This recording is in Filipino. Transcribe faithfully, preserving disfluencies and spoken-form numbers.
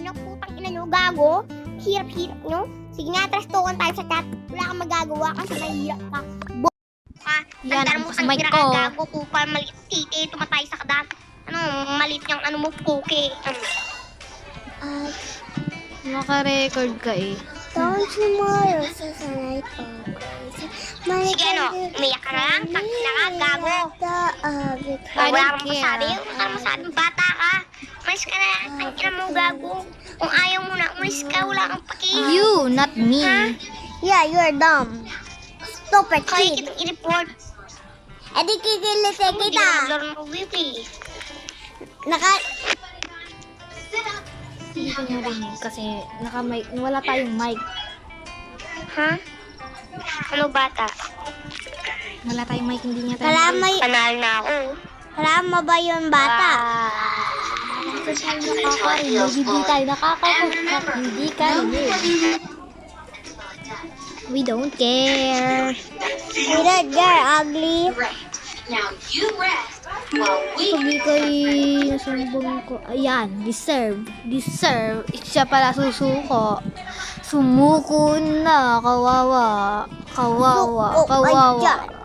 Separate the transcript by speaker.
Speaker 1: nyo, putang ina nyo, gago. Hirap-hirap nyo. Sige nga, trash talkan tayo sa chat. Wala kang magagawa kasi mahirap ka. Bo ka.
Speaker 2: Yan,
Speaker 1: Tandaan mo
Speaker 2: ang
Speaker 1: ang
Speaker 2: mic
Speaker 1: tira
Speaker 2: ko.
Speaker 1: ka, gago, kupal, maliit titi, tumatay sa kadat. Ano, maliit niyang ano mo, puke.
Speaker 3: Uh,
Speaker 2: Naka-record ka eh.
Speaker 3: don't tomorrow, sasanay ko.
Speaker 1: Sige, ano, umiyak ka na lang, tang ina ka, gago.
Speaker 2: I
Speaker 1: Wala
Speaker 2: don't
Speaker 1: kang
Speaker 2: care.
Speaker 1: masabi, wala kang masabi, bata ka. Umalis ka na, ang ina mo, gago. Kung ayaw mo na, umalis ka, wala kang paki.
Speaker 2: You, not me.
Speaker 1: Ha?
Speaker 3: Yeah, you're dumb. Stupid
Speaker 1: Kaya
Speaker 3: kid.
Speaker 1: kitang i-report.
Speaker 3: Eh di kikilite
Speaker 1: Hindi
Speaker 3: kita.
Speaker 1: na maglaro ng Wiki.
Speaker 3: Naka...
Speaker 2: Hindi ko narinig kasi naka-mic, wala tayong mic.
Speaker 1: Ha? Ano bata?
Speaker 2: Wala tayong mic, hindi niya tayo.
Speaker 3: Kalama,
Speaker 1: Panalo na ako.
Speaker 3: kalama ba yung bata?
Speaker 2: Hindi tayo nakakarinig, hindi tayo nakakarinig, hindi karinig. We don't care.
Speaker 3: We don't care, ugly.
Speaker 4: Now you rest while we
Speaker 2: Sabi ko yung sumbong ko. Ayan, deserve. Deserve. Siya pala susuko. Sumuko na. Kawawa. Kawawa.
Speaker 3: Oh,
Speaker 2: Kawawa.
Speaker 3: ayan.